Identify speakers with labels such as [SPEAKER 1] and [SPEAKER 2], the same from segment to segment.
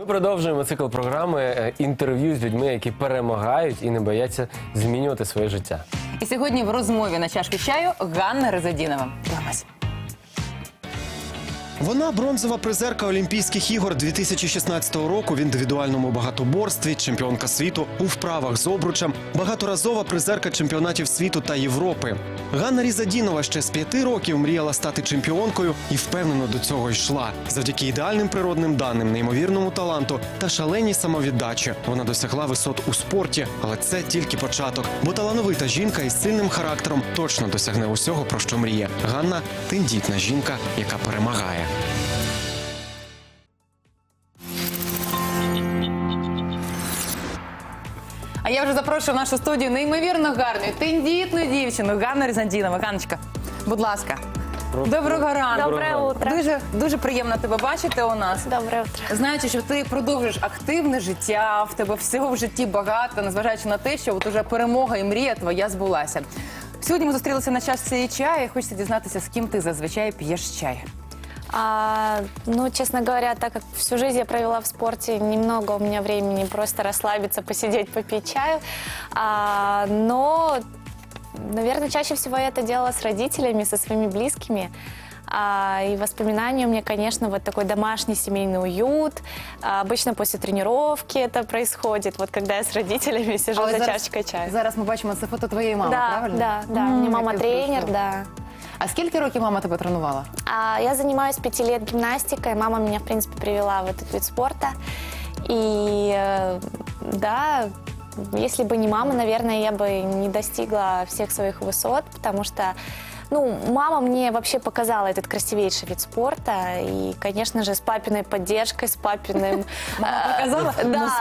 [SPEAKER 1] Ми продовжуємо цикл програми інтерв'ю з людьми, які перемагають і не бояться змінювати своє життя.
[SPEAKER 2] І сьогодні в розмові на чашки чаю Ганна Резадінова. Дивимось.
[SPEAKER 3] Вона бронзова призерка Олімпійських ігор 2016 року в індивідуальному багатоборстві, чемпіонка світу у вправах з обручем, багаторазова призерка чемпіонатів світу та Європи. Ганна Резадінова ще з 5 років мріяла стати чемпіонкою і впевнено до цього йшла. Завдяки ідеальним природним даним, неймовірному таланту та шаленій самовіддачі вона досягла висот у спорті. Але це тільки початок, бо талановита жінка із сильним характером точно досягне усього, про що мріє. Ганна – тендітна жінка, яка перемагає.
[SPEAKER 2] А я вже запрошую в нашу студію неймовірно гарну, тендітну дівчину Ганну Резадінову. Ганночка, будь ласка. Доброго ранку.
[SPEAKER 4] Доброе утро.
[SPEAKER 2] Дуже приємно тебе бачити у нас.
[SPEAKER 4] Доброе утро.
[SPEAKER 2] Знаючи, що ти продовжуєш активне життя, в тебе всього в житті багато, незважаючи на те, що от уже перемога і мрія твоя збулася. Сьогодні ми зустрілися на чашці чаю, і хочеться дізнатися, з ким ти зазвичай п'єш чай.
[SPEAKER 4] Ну, честно говоря, так как всю жизнь я провела в спорте, немного у меня времени просто расслабиться, посидеть, попить чаю. Но, наверное, чаще всего я это делала с родителями, со своими близкими. И воспоминания у меня, конечно, вот такой домашний семейный уют. Обычно после тренировки это происходит, вот когда я с родителями сижу за чашечкой чая.
[SPEAKER 2] Зараз ми бачимо це фото твоєї мами, правильно?
[SPEAKER 4] Да. У меня мама тренер, да.
[SPEAKER 2] А скільки років мама тебе тренувала?
[SPEAKER 4] Я занимаюсь 5 лет гимнастикой. Мама меня, в принципе, привела в этот вид спорта. И да, если бы не мама, наверное, я бы не достигла всех своих высот, потому что, ну, мама мне вообще показала этот красивейший вид спорта. И, конечно же, с папиной поддержкой, с папиным...
[SPEAKER 2] Мама показала?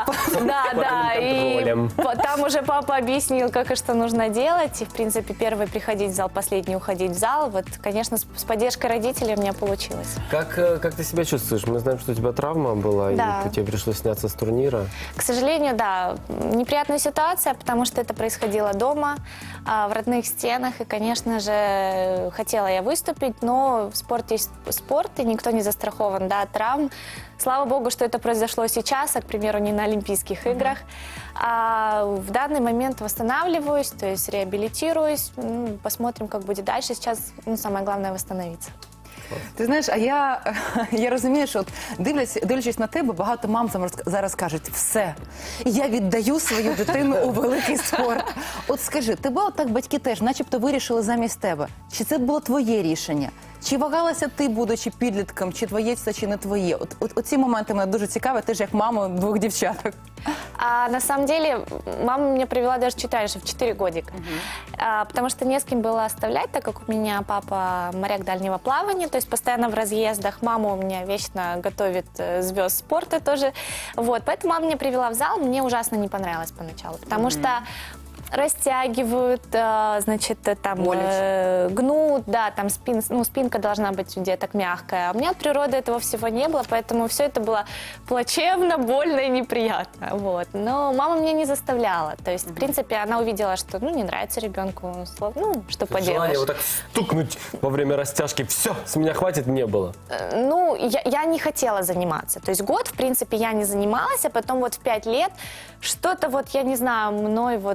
[SPEAKER 4] Да. И там уже папа объяснил, как и что нужно делать. И, в принципе, первый приходить в зал, последний уходить в зал. Вот, конечно, с поддержкой родителей у меня получилось.
[SPEAKER 1] Как ты себя чувствуешь? Мы знаем, что у тебя травма была,
[SPEAKER 4] Да.
[SPEAKER 1] и тебе пришлось сняться с турнира.
[SPEAKER 4] К сожалению, да, неприятная ситуация, потому что это происходило дома, в родных стенах. И, конечно же, хотела я выступить, но в спорте есть спорт, и никто не застрахован, да, от травм. Слава богу, что это произошло сейчас, а, к примеру, не на Олимпийских играх. А в данный момент восстанавливаюсь, то есть реабилитируюсь. Посмотрим, как будет дальше. Сейчас самое главное восстановиться.
[SPEAKER 2] Ти знаєш, а я розумію, що от дивлячись на тебе, багато мам зараз кажуть, все, я віддаю свою дитину у великий спорт. От скажи, тебе отак батьки теж начебто вирішили замість тебе. Чи це було твоє рішення? Чи вагалася ти, будучи підлітком, чи твоє це, чи не твоє? Оці моменти мене дуже цікаві, ти ж як мама двох дівчаток.
[SPEAKER 4] На самом деле, мама меня привела даже чуть раньше, в 4 годика. Потому что не с кем было оставлять, так как у меня папа моряк дальнего плавания, то есть постоянно в разъездах. Мама у меня вечно готовит звезд спорта тоже. Вот, поэтому мама меня привела в зал, мне ужасно не понравилось поначалу, потому что растягивают, значит, там гнут, да, там спинка должна быть у деток мягкая. А у меня от природы этого всего не было, поэтому все это было плачевно, больно и неприятно. Вот. Но мама меня не заставляла. То есть, в принципе, она увидела, что, ну, не нравится ребенку, ну, что поделаешь.
[SPEAKER 1] Желание вот так стукнуть во время растяжки, все, с меня хватит, не было.
[SPEAKER 4] Ну, я не хотела заниматься. То есть год, в принципе, я не занималась, а потом вот в 5 лет что-то вот, я не знаю, мной вот,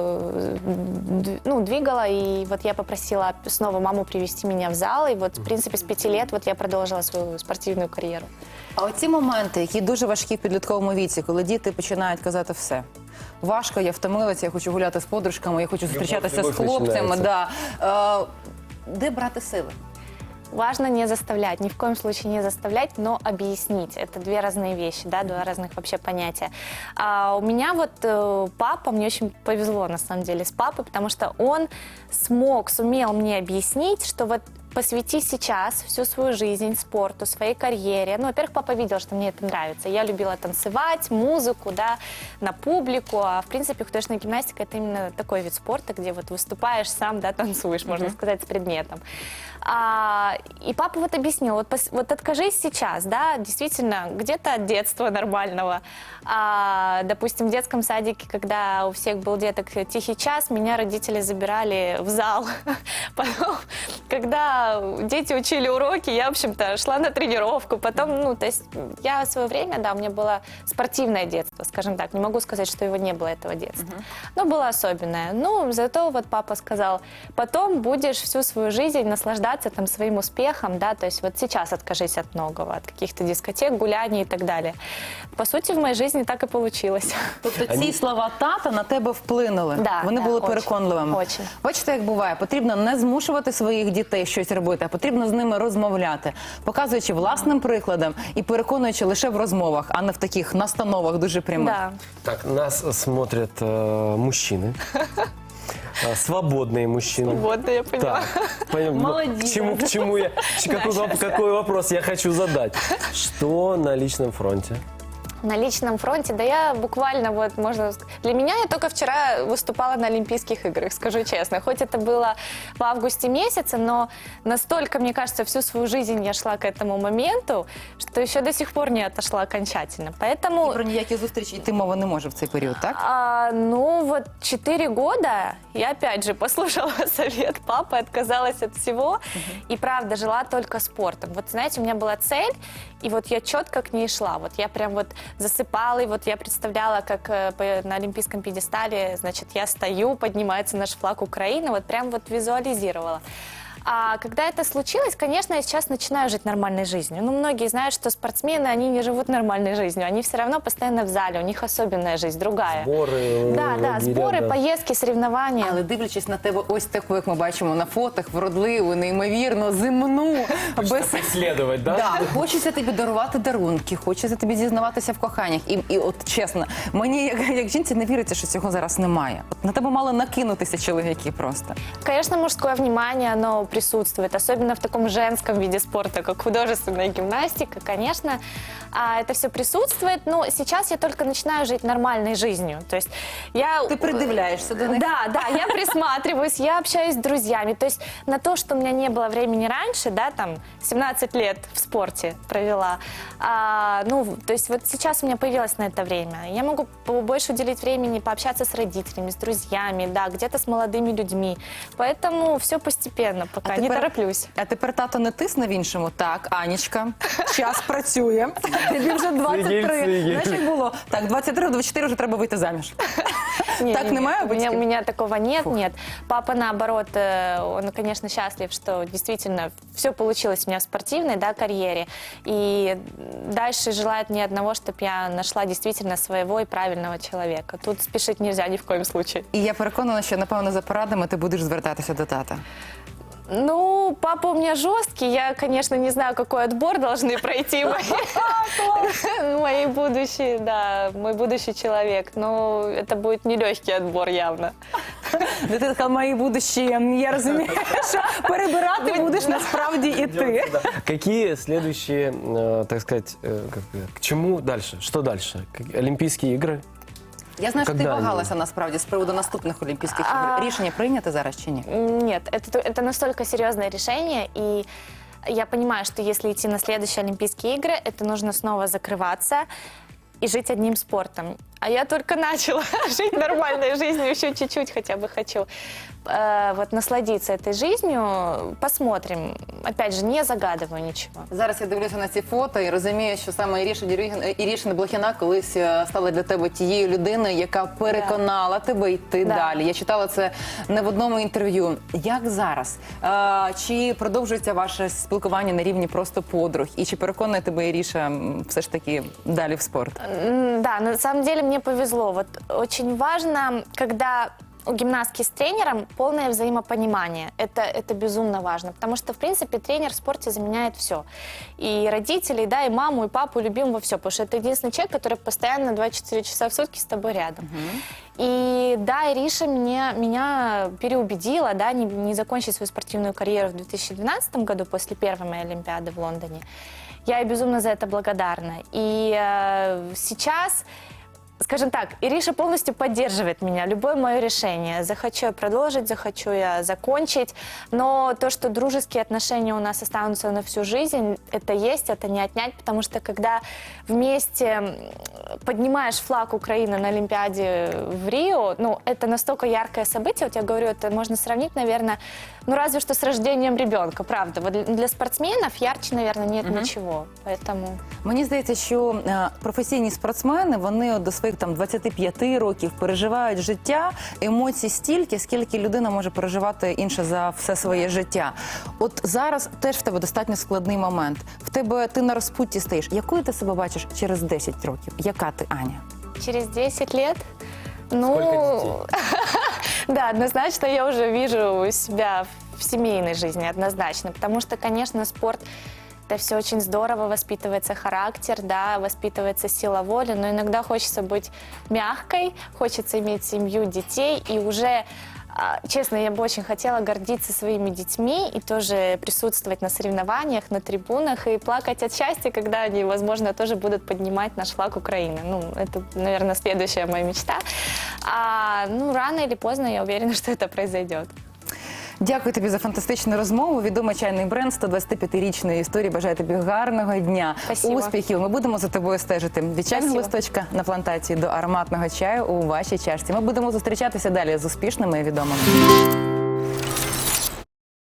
[SPEAKER 4] ну, двигало, и вот я попросила снова маму привести меня в зал, и вот, в принципе, с 5 лет вот я продолжила свою спортивную карьеру.
[SPEAKER 2] А оці моменти, які дуже важкі в підлітковому віці, коли діти починають казати все. Важко, я втомилася, я хочу гуляти з подружками, я хочу зустрічатися з хлопцями. Да. Де брати сили?
[SPEAKER 4] Важно не заставлять, ни в коем случае не заставлять, но объяснить. Это две разные вещи, да, два разных вообще понятия. У меня вот папа, мне очень повезло на самом деле с папой, потому что он сумел мне объяснить, что вот посвяти сейчас всю свою жизнь спорту, своей карьере. Ну, во-первых, папа видел, что мне это нравится. Я любила танцевать, музыку, да, на публику. А, в принципе, художественная гимнастика – это именно такой вид спорта, где вот выступаешь сам, да, танцуешь, можно сказать, с предметом. И папа вот объяснил, вот откажись сейчас, да, действительно, где-то от детства нормального. Допустим, в детском садике, когда у всех был деток тихий час, меня родители забирали в зал. Потом, когда да, дети учили уроки, я, в общем-то, шла на тренировку, потом, ну, то есть я в свое время, да, у меня было спортивное детство, скажем так, не могу сказать, что его не было, этого детства, но было особенное. Ну, зато вот папа сказал, потом будешь всю свою жизнь наслаждаться там своим успехом, да, то есть вот сейчас откажись от многого, от каких-то дискотек, гуляний и так далее. По сути, в моей жизни так и получилось.
[SPEAKER 2] Тобто ці слова тата на тебе вплинули.
[SPEAKER 4] Да,
[SPEAKER 2] Вони
[SPEAKER 4] да,
[SPEAKER 2] були
[SPEAKER 4] очень,
[SPEAKER 2] переконливими.
[SPEAKER 4] очень.
[SPEAKER 2] Бачите, як буває, потрібно не змушувати своїх дітей щось робити, а потрібно з ними розмовляти, показуючи власним прикладом і переконуючи лише в розмовах, а не в таких настановах дуже прямих.
[SPEAKER 4] Да.
[SPEAKER 1] Так, нас смотрят мужчины. Свободные мужчины.
[SPEAKER 4] Вот, я поняла.
[SPEAKER 1] Так,
[SPEAKER 2] Молодец.
[SPEAKER 1] К чему я, какой вопрос я хочу задать? Что на личном фронте?
[SPEAKER 4] На личном фронте, да я буквально вот, можно сказать, для меня я только вчера выступала на Олимпийских играх, скажу честно. Хоть это было в августе месяце, но настолько, мне кажется, всю свою жизнь я шла к этому моменту, что еще до сих пор не отошла окончательно. Поэтому...
[SPEAKER 2] Про ніякі зустрічі йти мова не може в цей період, так?
[SPEAKER 4] Ну вот 4 года я опять же послушала совет папы, отказалась от всего и правда жила только спортом. Вот знаете, у меня была цель, и вот я четко к ней шла. Вот я прям вот засыпала, и вот я представляла, как на олимпийском пьедестале, значит, я стою, поднимается наш флаг Украины, вот прям вот визуализировала. А когда это случилось, конечно, я сейчас начинаю жить нормальной жизнью. Ну, многие знают, что спортсмены, они не живут нормальной жизнью. Они все равно постоянно в зале, у них особенная жизнь, другая.
[SPEAKER 1] Сборы,
[SPEAKER 4] Да, сборы,
[SPEAKER 1] да.
[SPEAKER 4] поездки, соревнования.
[SPEAKER 2] Але дивлячись на тебе ось таку, як ми бачимо на фотах, вродливу, неймовірно, земну, без...
[SPEAKER 1] Исследовать, да?
[SPEAKER 2] Да, хочеться тобі дарувати дарунки, хочеться тобі зізнаватися в коханнях. І от чесно, мені як жінці не віриться, що цього зараз немає. От на тебе мали накинутися чоловіки просто.
[SPEAKER 4] Конечно, мужское внимание, оно присутствует, особенно в таком женском виде спорта, как художественная гимнастика, конечно, это все присутствует, но сейчас я только начинаю жить нормальной жизнью, то есть я...
[SPEAKER 2] Ти придивляєшся до них?
[SPEAKER 4] Да, я присматриваюсь, я общаюсь с друзьями, то есть на то, что у меня не было времени раньше, да, там, 17 лет в спорте провела, ну, то есть вот сейчас у меня появилось на это время, я могу больше уделить времени пообщаться с родителями, с друзьями, да, где-то с молодыми людьми, поэтому все постепенно, пока не тороплюсь.
[SPEAKER 2] А тепер тато не тисне в іншому. Так, Анічка, час працює. Тобі вже 23.
[SPEAKER 1] Цигель.
[SPEAKER 2] Знаєш, як було? Так, 23-24 вже треба вийти заміж. Так немає
[SPEAKER 4] у
[SPEAKER 2] батьків?
[SPEAKER 4] меня такого нет. Папа, наоборот, он, конечно, счастлив, что действительно все получилось у меня в спортивной, да, карьере. И дальше желает мне одного, чтобы я нашла действительно своего и правильного человека. Тут спешить нельзя ни в коем случае.
[SPEAKER 2] І я переконана, що, напевно, за порадами ти будеш звертатися до тата.
[SPEAKER 4] Ну, папа у меня жесткий, я, конечно, не знаю, какой отбор должны пройти мои будущие, да, мой будущий человек, но это будет нелегкий отбор явно.
[SPEAKER 2] Дитина сказала, мої будущі, я розумію, що перебирати будеш насправді і ти.
[SPEAKER 1] Какие следующие, так сказать, к чему дальше? Что дальше? Олимпийские игры?
[SPEAKER 2] Я знаю, що ти
[SPEAKER 1] Когда они?
[SPEAKER 2] вагалася насправді з приводу наступних Олімпійських ігор. Рішення прийняте зараз чи ні?
[SPEAKER 4] Нет, это настолько серьезное решение, и я понимаю, что если идти на следующие Олимпийские игры, это нужно снова закрываться и жить одним спортом. А я только начала жить нормальной жизнью, еще чуть-чуть хотя бы хочу вот насладиться этой жизнью. Посмотрим. Опять же, не загадываю ничего.
[SPEAKER 2] Зараз я дивлюся на ці фото і розумію, що саме Ірішина Блохіна колись стала для тебе тією людиною, яка переконала тебе йти далі. Я читала це не в одному інтерв'ю. Як зараз? Чи продовжується ваше спілкування на рівні просто подруг? І чи переконує тебе Іріша все ж таки далі в спорт?
[SPEAKER 4] Да, на самом деле мне повезло. Вот очень важно, когда у гимнастки с тренером полное взаимопонимание. Это безумно важно, потому что, в принципе, тренер в спорте заменяет все. И родителей, да, и маму, и папу любим во все, потому что это единственный человек, который постоянно 24 часа в сутки с тобой рядом. И да, Ириша меня переубедила, да, не закончить свою спортивную карьеру в 2012 году после первой моей Олимпиады в Лондоне. Я ей безумно за это благодарна. И сейчас скажем так, Ириша полностью поддерживает меня, любое мое решение. Захочу я продолжить, захочу я закончить. Но то, что дружеские отношения у нас останутся на всю жизнь, это есть, это не отнять, потому что когда вместе поднимаешь флаг Украины на Олимпиаде в Рио, ну, это настолько яркое событие, вот я говорю, это можно сравнить, наверное, ну, разве что с рождением ребенка, правда. Вот для спортсменов ярче, наверное, нет ничего, поэтому...
[SPEAKER 2] Мені здається, що професійні спортсмени, вони до своїх там 25 років переживають життя, емоцій стільки, скільки людина може переживати інше за все своє життя. От зараз теж в тебе достатньо складний момент. В тебе ти на розпутті стоїш. Якою ти себе бачиш через 10 років? Яка ти, Аня?
[SPEAKER 4] Через 10 лет? Ну,
[SPEAKER 1] Сколько
[SPEAKER 4] да, однозначно я уже вижу себя в семейной жизни, однозначно. Потому что, конечно, спорт это все очень здорово, воспитывается характер, да, воспитывается сила воли, но иногда хочется быть мягкой, хочется иметь семью, детей, и уже, честно, я бы очень хотела гордиться своими детьми и тоже присутствовать на соревнованиях, на трибунах и плакать от счастья, когда они, возможно, тоже будут поднимать наш флаг Украины. Ну, это, наверное, следующая моя мечта. Ну, рано или поздно я уверена, что это произойдет.
[SPEAKER 2] Дякую тобі за фантастичну розмову. Відомий чайний бренд 125-річної історії. Бажаю тобі гарного дня,
[SPEAKER 4] Спасибо.
[SPEAKER 2] успіхів. Ми будемо за тобою стежити. Від чайного
[SPEAKER 4] Спасибо.
[SPEAKER 2] листочка на плантації до ароматного чаю у вашій чашці. Ми будемо зустрічатися далі з успішними і відомими.